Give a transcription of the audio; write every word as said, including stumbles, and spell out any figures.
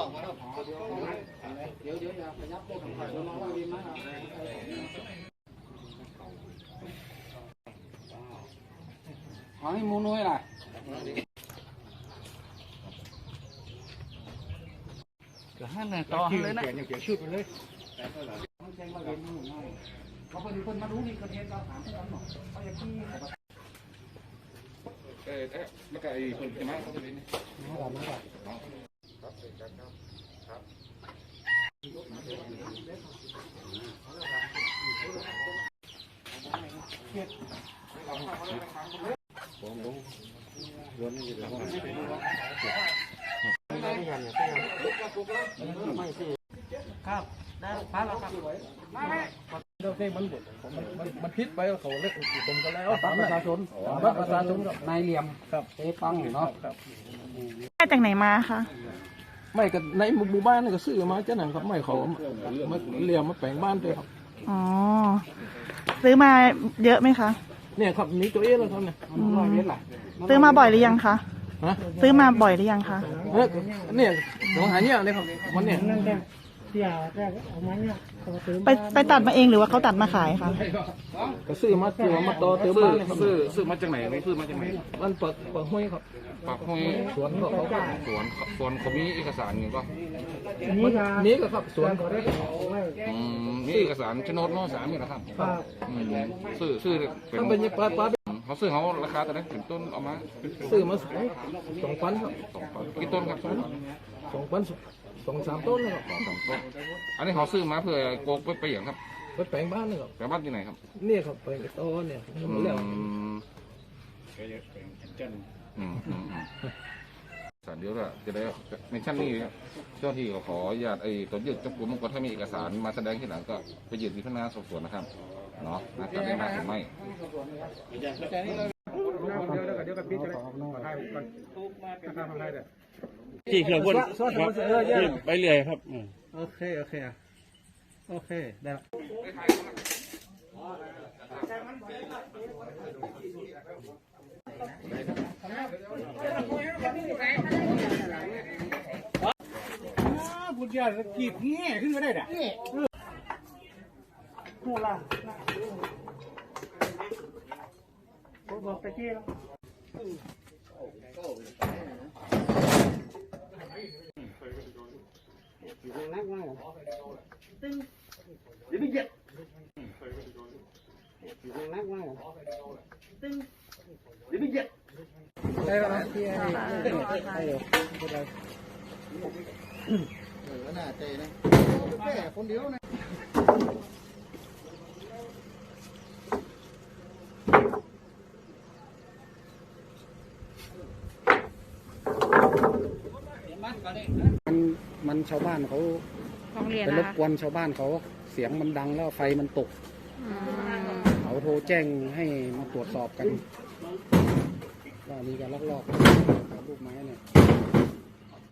เดี๋ยวเดี๋ยวอย่าไปยับพวกของใครเรามาว่าดีไหมเอาให้มูน้อยล่ะเดี๋ยวให้หน่อยต่อเลยนะเดี๋ยวชุดไปเลยต้องแจ้งว่าเรียนอยู่ง่ายเพราะคนคนมารู้นี่คนเรียนเราถามที่เราหน่อยเขาจะที่เออเอ๊ะแล้วก็ไอ้คนจะมาเขาจะเรียนนี่มาก่อนมาก่อนครับครับผมผมล้วนนี่จะต้องไม่ได้กันเนี่ยไม่สิครับได้พาเราครับไม่ไม่เราเส้นมันบดมันมันพิษไปเขาเล็กผมก็แล้วตามประชาชนตามประชาชนกับนายเหลี่ยมครับเอ๊ปังเนาะมาจากไหนมาคะไม่ก็ในหมู่บ้านนี่ก็ซื้อมาเจ้าหนังครับไม่เขามาเหลี่ยมมาแปลงบ้านด้วยครับอ๋อซื้อมาเยอะไหมคะเนี่ยครับนี้ตัวเองแล้วครับเนี่ยซื้อมาบ่อยหรือยังคะซื้อมาบ่อยหรือยังคะเนี่ยหลวงหาเนี่ยเลยครับวันเนี่ยไปไปตัดมาเองหรือว่าเขาตัดมาขายคะก็ซื้อมาตัวมาต่อเติมบ้านเลยครับซื้อซื้อมาจากไหนซื้อมาจากไหนมันเปิดเปิดห้วยครับปากห้วยสวนเขาเขาสวนสวนเขามีเอกสารอยู่ก็นี้ก็ครับสวนเขาได้มีเอกสารโฉนดโน้สามนี่นะครับซื้อซื้อเป็นปลาปลาเขาซื้อเขาราคาแต่ไหนถึงต้นเอามาซื้อมาสองพันครับสองพันกี่ต้นครับสองพันสองสามต้นเลยครับสองต้นอันนี้เขาซื้อมาเพื่อโกกไปไปอย่างครับไปแปลงบ้านเลยครับแปลงบ้านที่ไหนครับนี่ครับแปลงโตเนี่ยเรื่องอืมอืมอืมสารเดียวละจะได้ในชั้นนี้เจ้าที่ขออนุญาตไอ้ตัวยืดจับกลุ่มก็ถ้ามีเอกสารมาแสดงที่หลังก็ไปยืดที่พนักงานสอบสวนนะครับเนาะนะจะได้มาหรือไม่เดี๋ยวเดี๋ยวกับพี่จะได้ให้ก่อนทำอะไรเด้อที่เครื่องพ่นไปเรื่อยครับโอเคโอเคโอเคได้ละบุญญากีบแง่ขึ้นมาได้ด่ะหัวละบอกไปที่แล้วนักมากตึ้งเดี๋ยวไม่เจ็บนักมากตึ้งเดี๋ยวไม่เจ็บได้แล้วที่ไอ้ไอ้เออน่าใจนะแค่คนเดียวนะมันมันชาวบ้านเขาไปรบกวนชาวบ้านเขาเสียงมันดังแล้วไฟมันตกเขาโทรแจ้งให้มาตรวจสอบกันว่ามีการลักลอบลูกไม้เนี่ย